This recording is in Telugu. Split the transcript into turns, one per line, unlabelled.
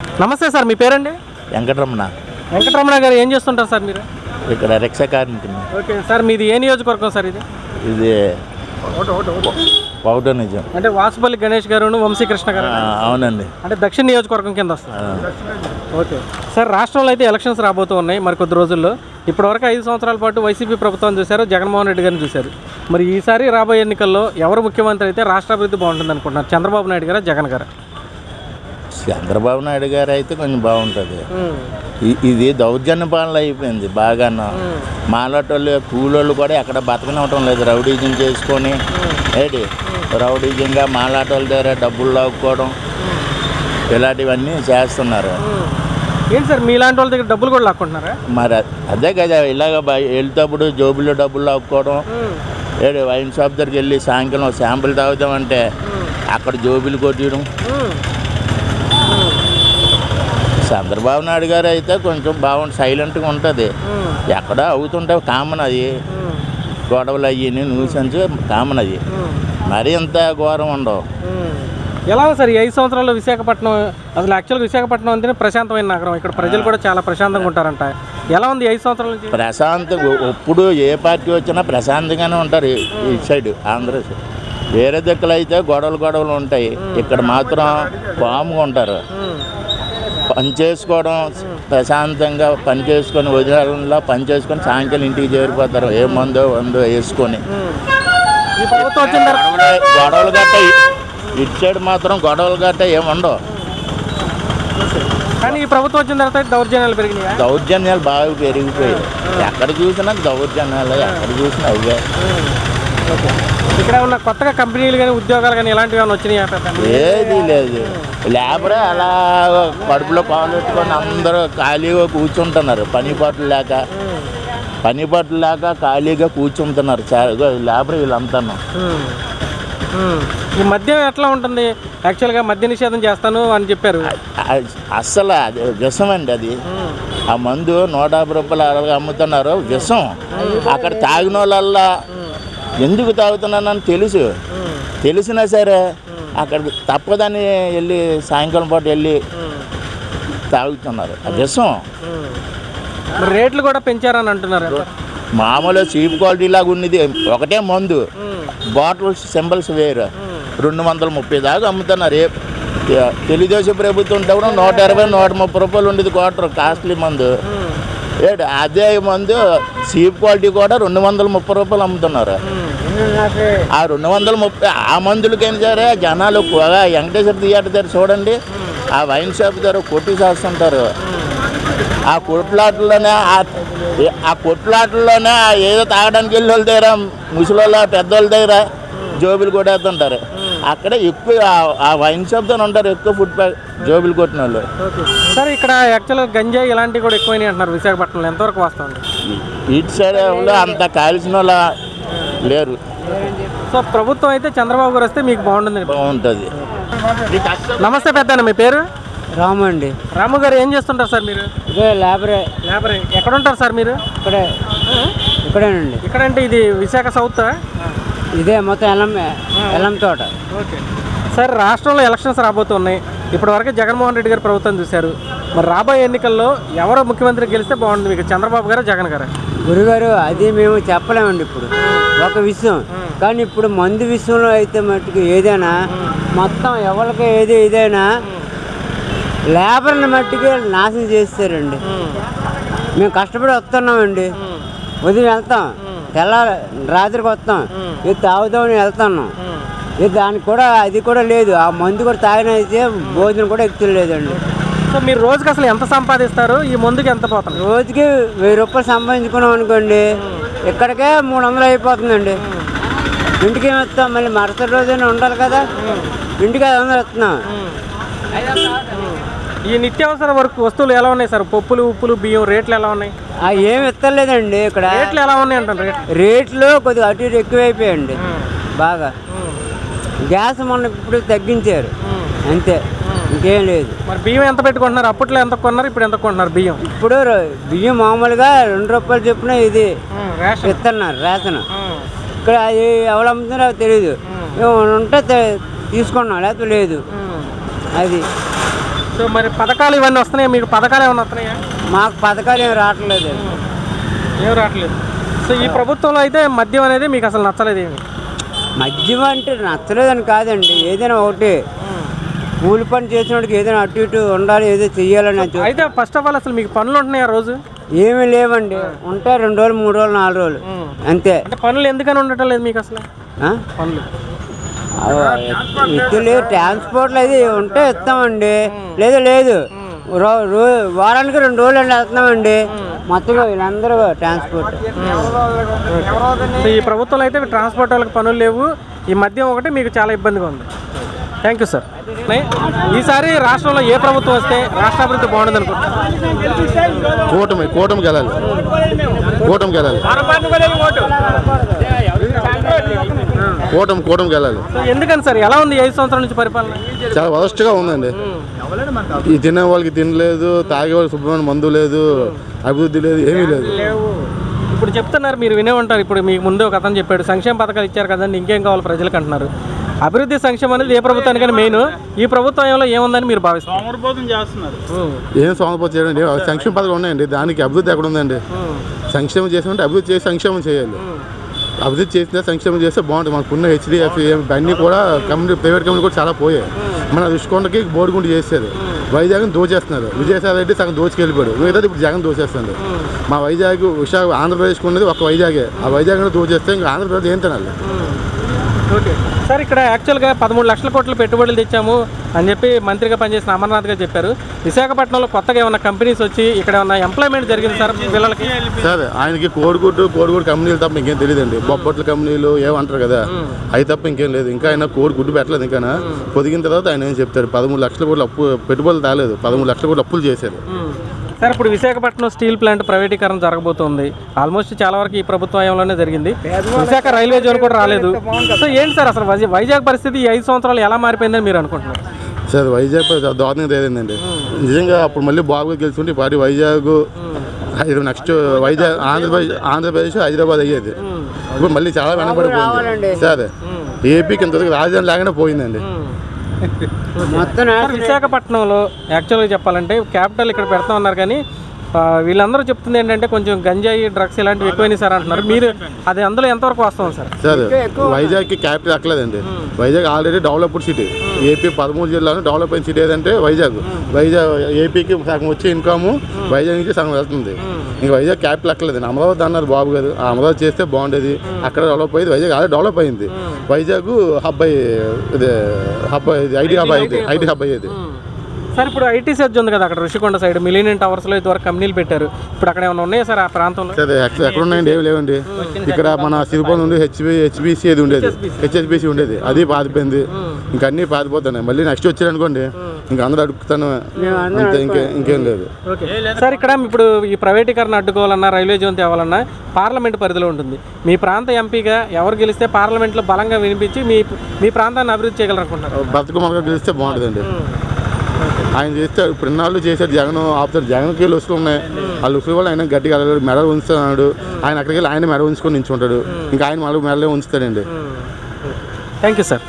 నమస్తే సార్, మీ పేరండి?
వెంకటరమణ.
వెంకటరమణ గారు ఏం చేస్తుంటారు సార్ మీరు?
ఇక్కడ రిక్షా కార్మికుని.
ఓకే సార్, మీది ఏ నియోజకవర్గం సార్ ఇది?
ఇది పౌట నిజం
అంటే వాసుపల్లి గణేష్ గారు, వంశీకృష్ణ గారు.
అవునండి.
అంటే దక్షిణ నియోజకవర్గం కింద వస్తుంది. ఓకే సార్, రాష్ట్రంలో అయితే ఎలక్షన్స్ రాబోతూ ఉన్నాయి మరి కొద్ది రోజుల్లో. ఇప్పటివరకు 5 సంవత్సరాల పాటు వైసీపీ ప్రభుత్వం చూశారు, జగన్మోహన్ రెడ్డి గారిని చూశారు. మరి ఈసారి రాబోయే ఎన్నికల్లో ఎవరు ముఖ్యమంత్రి అయితే రాష్ట్ర అభివృద్ధి బాగుంటుంది అనుకుంటున్నారు? చంద్రబాబు నాయుడు గారా, జగన్ గారా?
చంద్రబాబు నాయుడు గారు అయితే కొంచెం బాగుంటుంది. ఇది దౌర్జన్య పాలన అయిపోయింది బాగాను. మాలాటోళ్ళు కూలోళ్ళు కూడా ఎక్కడ బతకనివ్వటం లేదు. రౌడీజం చేసుకొని రౌడీజంగా మాలాటోళ్ళ దగ్గర డబ్బులు లాక్కోవడం ఇలాంటివన్నీ చేస్తున్నారు.
ఏంటి సార్, మీలాంటి వాళ్ళ దగ్గర డబ్బులు కూడా లాక్కుంటున్నారా?
మరి అదే కదా, ఇలాగ వెళ్తేప్పుడు జోబుల్లో డబ్బులు లాక్కోవడం. వైన్ షాప్ దగ్గరికి వెళ్ళి సాయంకాలం శాంపుల్ తాగుదామంటే అక్కడ జోబులు కొట్టడం. చంద్రబాబు నాయుడు గారు అయితే కొంచెం బాగుంది, సైలెంట్గా ఉంటుంది. ఎక్కడ అవుతుంటే కామన్ అది, గొడవలు అయ్యి న్యూసెన్స్ కామన్ అది. మరీ ఇంత ఘోరం ఉండవు.
ఎలా సార్ ఈ 5 సంవత్సరాల్లో విశాఖపట్నం? అసలు యాక్చువల్గా విశాఖపట్నం అంటేనే ప్రశాంతమైన నగరం. ఇక్కడ ప్రజలు కూడా చాలా ప్రశాంతంగా ఉంటారంట. ఎలా ఉంది 5 సంవత్సరాల నుంచి?
ప్రశాంతంగా ఎప్పుడు ఏ పార్టీ వచ్చినా ప్రశాంతంగానే ఉంటారు ఈ సైడ్, ఆంధ్ర సైడ్. వేరే దిక్కులు అయితే గొడవలు ఉంటాయి. ఇక్కడ మాత్రం పాముగా ఉంటారు. పని చేసుకోవడం, ప్రశాంతంగా పని చేసుకొని వదిలేలా పని చేసుకొని సాయంకాలం ఇంటికి చేరిపోతారు. ఏ మందో వేసుకొని. గొడవలు గట్ట ఇటు సైడ్ మాత్రం గొడవలు గట్ట ఏముండవు.
కానీ ఈ ప్రభుత్వం వచ్చిన తర్వాత దౌర్జన్యాలు పెరిగినాయి.
దౌర్జన్యాలు బాగా పెరిగిపోయాయి. ఎక్కడ చూసినా దౌర్జన్యాలు, ఎక్కడ చూసినా అవే.
ఇక్కడ ఉన్న కొత్తగా కంపెనీలు కానీ ఉద్యోగాలు కానీ ఇలాంటివి ఏమైనా వచ్చినాయి?
ఏది లేదు. లేబరే అలా కడుపులో పాలెట్టుకొని అందరూ ఖాళీగా కూర్చుంటున్నారు. పని పాటలు లేక ఖాళీగా కూర్చుంటున్నారు లేబర్ వీళ్ళంతా.
ఈ మద్యం ఎట్లా ఉంటుంది? యాక్చువల్గా మద్య నిషేధం చేస్తాను అని చెప్పారు.
అస్సలు అది విషం అండి. అది ఆ మందు 150 రూపాయలు అలాగే అమ్ముతున్నారు. విషం. అక్కడ తాగిన వాళ్ళల్లా ఎందుకు తాగుతున్నానని తెలిసినా సరే అక్కడ తప్పదని వెళ్ళి సాయంకాలం పాటు వెళ్ళి తాగుతున్నారు. ఆ విషం.
రేట్లు కూడా పెంచారని అంటున్నారు.
మామూలు చీప్ క్వాలిటీ లాగా ఉన్నది ఒకటే మందు, బాటిల్స్ సింబల్స్ వేరు. 230 దాకా అమ్ముతున్నారు. తెలుగుదేశం ప్రభుత్వం ఉంటే కూడా 120, 130 రూపాయలు ఉండేది క్వార్టర్ కాస్ట్లీ మందు. అదే మందు చీప్ క్వాలిటీ కూడా 230 రూపాయలు అమ్ముతున్నారు. ఆ 230 ఆ మందులకైనా సరే జనాలు వెంకటేశ్వర థియేటర్ దగ్గర చూడండి, ఆ వైన్ షాప్ దగ్గర కొట్టి చేస్తుంటారు. ఆ కొట్లాటల్లోనే ఏదో తాగడానికి వెళ్ళి వాళ్ళ దగ్గర, ముసలోళ్ళ పెద్దోళ్ళ దగ్గర జోబులు కొట్టేస్తుంటారు. అక్కడ ఎక్కువ ఆ వైన్ షాప్ దగ్గర ఉంటారు ఎక్కువ జోబులు కొట్టిన వాళ్ళు.
సార్ ఇక్కడ యాక్చువల్గా గంజాయి ఇలాంటివి కూడా ఎక్కువైనాయి అంటున్నారు విశాఖపట్నంలో. ఎంతవరకు వస్తుంది?
ఇటు సైడ్ అంత కాల్చిన వాళ్ళ లేరు.
సో ప్రభుత్వం అయితే చంద్రబాబు గారు వస్తే మీకు బాగుంటుంది. నమస్తే పెద్దన్న, మీ పేరు?
రాము అండి.
రాము గారు ఏం చేస్తుంటారు సార్ మీరు?
లేబరే.
ఎక్కడ ఉంటారు సార్ మీరు?
ఇక్కడేనండి.
ఇక్కడంటే ఇది విశాఖ సౌత్?
ఇదే మొత్తం ఎల్లం తోట.
ఓకే సార్, రాష్ట్రంలో ఎలక్షన్స్ రాబోతున్నాయి. ఇప్పటివరకు జగన్మోహన్ రెడ్డి గారు ప్రభుత్వం చూశారు. మరి రాబోయే ఎన్నికల్లో ఎవరో ముఖ్యమంత్రి గెలిస్తే బాగుంటుంది మీకు? చంద్రబాబు గారు, జగన్ గారు?
గురుగారు అది మేము చెప్పలేమండి ఇప్పుడు ఒక విషయం. కానీ ఇప్పుడు మందు విషయంలో అయితే మట్టుకు ఏదైనా మొత్తం ఎవరికి ఏదైనా లేబర్ని మట్టుకు నాశనం చేస్తారండి. మేము కష్టపడి వస్తున్నామండి, ఉదయం వెళ్తాం, రాత్రికి వస్తాం, ఇది తాగుదామని వెళ్తున్నాం. ఇది దానికి కూడా అది కూడా లేదు. ఆ మందు కూడా తాగినైతే భోజనం కూడా ఎక్కువ లేదండి.
సో మీరు రోజుకి అసలు ఎంత సంపాదిస్తారు? ఈ మందుకి ఎంత పోతుంది?
రోజుకి 1000 రూపాయలు సంపాదించుకున్నాం అనుకోండి, ఇక్కడికే 300 అయిపోతుందండి. ఇంటికి ఏమి వస్తాం, మళ్ళీ మరుసటి రోజైనా ఉండాలి కదా, ఇంటికి 500 వస్తున్నాం.
ఈ నిత్యావసర వస్తువులు ఎలా ఉన్నాయి సార్? పప్పులు, ఉప్పులు, బియ్యం రేట్లు ఎలా ఉన్నాయి?
ఏమి ఎత్తలేదండి ఇక్కడ.
రేట్లు ఎలా ఉన్నాయి అంటారు?
రేట్లు కొద్దిగా అటు ఇటు ఎక్కువైపోయాయండి బాగా. గ్యాస్ మొన్న ఇప్పుడు తగ్గించారు అంతే, ఇంకేం లేదు.
మరి బియ్యం ఎంత పెట్టుకుంటున్నారు? అప్పట్లో ఎంత కొన్నారు, ఇప్పుడు ఎంత కొంటున్నారు బియ్యం?
ఇప్పుడు బియ్యం మామూలుగా 2 రూపాయలు చొప్పున ఇది ఇస్తున్నారు రేషన్. ఇక్కడ అది ఎవరు అమ్ముతున్నారో తెలియదు. ఉంటే తీసుకున్నాం, లేకపోతే లేదు. అది
సో మరి పథకాలు ఇవన్నీ వస్తున్నాయి, మీకు పథకాలు ఏమైనా వస్తున్నాయా?
మాకు పథకాలు ఏమి రావట్లేదు.
ఏం రావట్లేదు. సో ఈ ప్రభుత్వంలో అయితే మద్యం అనేది మీకు అసలు నచ్చలేదు ఏమి?
మద్యం అంటే నచ్చలేదని కాదండి, ఏదైనా ఒకటి కూలి పని చేసినోడికి ఏదైనా అటు ఇటు ఉండాలి, ఏదో చెయ్యాలని
అయితే ఫస్ట్ ఆఫ్ ఆల్ అసలు మీకు పనులు ఉంటున్నాయి ఆ రోజు?
ఏమీ లేవండి. ఉంటే 2 రోజులు 3 రోజులు 4 రోజులు అంతే.
అంటే పనులు ఎందుకని ఉండటం లేదు మీకు అసలు? పనులు
ఇల్లు ట్రాన్స్పోర్ట్లు అయితే ఉంటే ఇస్తామండి, లేదు లేదు. వారానికి 2 రోజులు అండి వెళ్తున్నామండి మొత్తంగా వీళ్ళందరూ ట్రాన్స్పోర్ట్.
ఈ ప్రభుత్వంలో అయితే ట్రాన్స్పోర్ట్ వాళ్ళకి పనులు లేవు, ఈ మద్యం ఒకటి మీకు చాలా ఇబ్బందిగా ఉంది. Thank you sir. ఈసారి రాష్ట్రంలో ఏ ప్రభుత్వం వస్తే రాష్ట్ర అభివృద్ధి బాగుంటుంది అనుకుంటున్నారు?
కూటమికి వెళ్ళాలి. కూటమికి వెళ్ళాలి.
ఎందుకని సార్, ఎలా ఉంది 5 సంవత్సరాల నుంచి పరిపాలన?
చాలా వరస్ట్గా ఉందండి. ఈ తినే వాళ్ళకి తినలేదు, తాగే వాళ్ళకి శుభ్రమైన మందు లేదు, అభివృద్ధి లేదు, ఏమీ లేదు.
ఇప్పుడు చెప్తున్నారు, మీరు వినే ఉంటారు. ఇప్పుడు మీకు ముందే ఒక అతను చెప్పాడు, సంక్షేమ పథకాలు ఇచ్చారు కదండి, ఇంకేం కావాలి ప్రజలకు అంటున్నారు. అభివృద్ధి సంక్షేమం అనేది ఏ ప్రభుత్వానికైనా మెయిన్. ఈ ప్రభుత్వంలో ఏముందని మీరు భావిస్తారు?
ఏం సోమరిపోతు చేయండి, సంక్షేమ పథకాలు ఉన్నాయండి, దానికి అభివృద్ధి ఎక్కడ ఉందండి? సంక్షేమం చేసామంటే అభివృద్ధి చేసి సంక్షేమం చేయాలి. అభివృద్ధి చేసినా సంక్షేమం చేస్తే బాగుంటుంది. మనకున్న హెచ్డిఎఫ్ అన్నీ కూడా ప్రైవేట్ కంపెనీ కూడా చాలా పోయాయి. మన రుషికొండకి బోడిగుండు చేసేది, వైజాగ్ని దోచేస్తున్నారు. విజయసాయి రెడ్డి సగం దోచుకెళ్ళిపోయాడు, మిగతాది ఇప్పుడు జగన్ దోచేస్తుంది. మా వైజాగ్ ఆంధ్రప్రదేశ్కి ఉన్నది ఒక వైజాగే, ఆ వైజాగ్ దోచేస్తే ఇంకా ఆంధ్రప్రదేశ్ ఏం తినాలి?
ఓకే సార్, ఇక్కడ యాక్చువల్గా 13 లక్షల కోట్ల పెట్టుబడులు తెచ్చాము అని చెప్పి మంత్రిగా పనిచేసిన అమర్నాథ్ గారు చెప్పారు. విశాఖపట్నంలో కొత్తగా ఏమన్నా కంపెనీస్ వచ్చి ఇక్కడ ఏమన్నా ఎంప్లాయ్మెంట్ జరిగింది సార్ పిల్లలకి?
సార్ ఆయనకి కోడిగుడ్డు కంపెనీలు తప్ప ఇంకేం తెలియదండి. బొబ్బట్ల కంపెనీలు ఏమంటారు కదా, అవి తప్ప ఇంకేం లేదు. ఇంకా ఆయన కోడిగుడ్డు పెట్టలేదు. ఇంకా పొదిగిన తర్వాత ఆయన ఏం చెప్తారు? 13 లక్షల కోట్లు అప్పు పెట్టుబడులు తాలేదు, 13 లక్షల కోట్లు అప్పులు చేశారు.
సార్ ఇప్పుడు విశాఖపట్నం స్టీల్ ప్లాంట్ ప్రైవేటీకరణ జరగబోతోంది. ఆల్మోస్ట్ చాలా వరకు ఈ ప్రభుత్వ హయాంలోనే జరిగింది. విశాఖ రైల్వే జోన్ కూడా రాలేదు. సో ఏంటి సార్ అసలు వైజాగ్ పరిస్థితి ఈ 5 సంవత్సరాలు ఎలా మారిపోయిందని మీరు అనుకుంటున్నారు?
సార్ వైజాగ్ దారుణంగా తేలిందండి నిజంగా. అప్పుడు మళ్ళీ బాగా గెలుచుకుంటే ఈ పార్టీ వైజాగ్ నెక్స్ట్ వైజాగ్ ఆంధ్రప్రదేశ్ హైదరాబాద్ అయ్యేది. ఇప్పుడు మళ్ళీ చాలా వెనకబడిపోయింది సార్. ఏపీకి ఇంతవరకు రాజధాని లాగానే పోయిందండి.
విశాఖపట్నంలో యాక్చువల్గా చెప్పాలంటే క్యాపిటల్ ఇక్కడ పెడతా ఉన్నారు, కానీ వీళ్ళందరూ చెప్తుంది ఏంటంటే కొంచెం గంజాయి డ్రగ్స్ ఇలాంటివి ఎక్కువైనాయి సార్ అంటున్నారు. మీరు అది అందులో ఎంతవరకు వస్తాం సార్?
సార్ వైజాగ్కి క్యాపిటల్ ఎక్కలేదండి. Vizag already developed city. AP 13 జిల్లాలో డెవలప్ అయిన సిటీ ఏదంటే వైజాగ్. ఏపీకి సగం వచ్చే ఇన్కమ్ వైజాగ్ నుంచి సగం వెళ్తుంది. ఇంకా వైజాగ్ క్యాపిటల్ ఎక్కలేదండి. అమరావతి అన్నారు బాబు గారు, ఆ అమరావతి చేస్తే బాగుండేది. అక్కడ డెవలప్ అయ్యింది, వైజాగ్ ఆల్రెడీ డెవలప్ అయింది. వైజాగ్ ఐటీ హబ్ అయ్యేది.
సార్ ఇప్పుడు ఐటీ సెర్చ్ ఉంది కదా అక్కడ రుషికొండ సైడ్ మిలీనియం టవర్స్లో ఇదివరకు కంపెనీలు పెట్టారు. ఇప్పుడు అక్కడ ఏమైనా ఉన్నాయా సార్ ఆ ప్రాంతంలో?
సరే ఎక్కడ ఉన్నాయండి? ఏమి లేవండి. ఇక్కడ మన సిరిపోల్ నుండి హెచ్బిసి ఏది ఉండేది, హెచ్ఎస్బిసి ఉండేది, అది పాతిపోయింది. ఇంకా అన్నీ పాతిపోతున్నాయి. మళ్ళీ నెక్స్ట్ వచ్చారనుకోండి ఇంకా అందరూ అడుగుతాను అంతే, ఇంకేం లేదు.
సార్ ఇక్కడ ఇప్పుడు ఈ ప్రైవేటీకరణ అడ్డుకోవాలన్నా రైల్వే జోన్ తేవాలన్నా పార్లమెంట్ పరిధిలో ఉంటుంది. మీ ప్రాంత ఎంపీగా ఎవరు గెలిస్తే పార్లమెంట్లో బలంగా వినిపించి మీ ప్రాంతాన్ని అభివృద్ధి చేయగలరనుకుంటున్నారు?
బతుకమ్మగా గెలిస్తే బాగుంటుందండి. ఆయన చేస్తే ఇప్పుడు ఇన్నాళ్ళు చేశాడు జగన్ ఆపుతాడు. జగన్కి లుసులు ఉన్నాయి, ఆ లుసులు వల్ల ఆయన గట్టిగా మెడలు ఉంచుతున్నాడు. ఆయన అక్కడికి వెళ్ళి ఆయన మెడ ఉంచుకొని నించుంటాడు, ఇంకా ఆయన మెడలే ఉంచుతాడండి.
Thank you sir.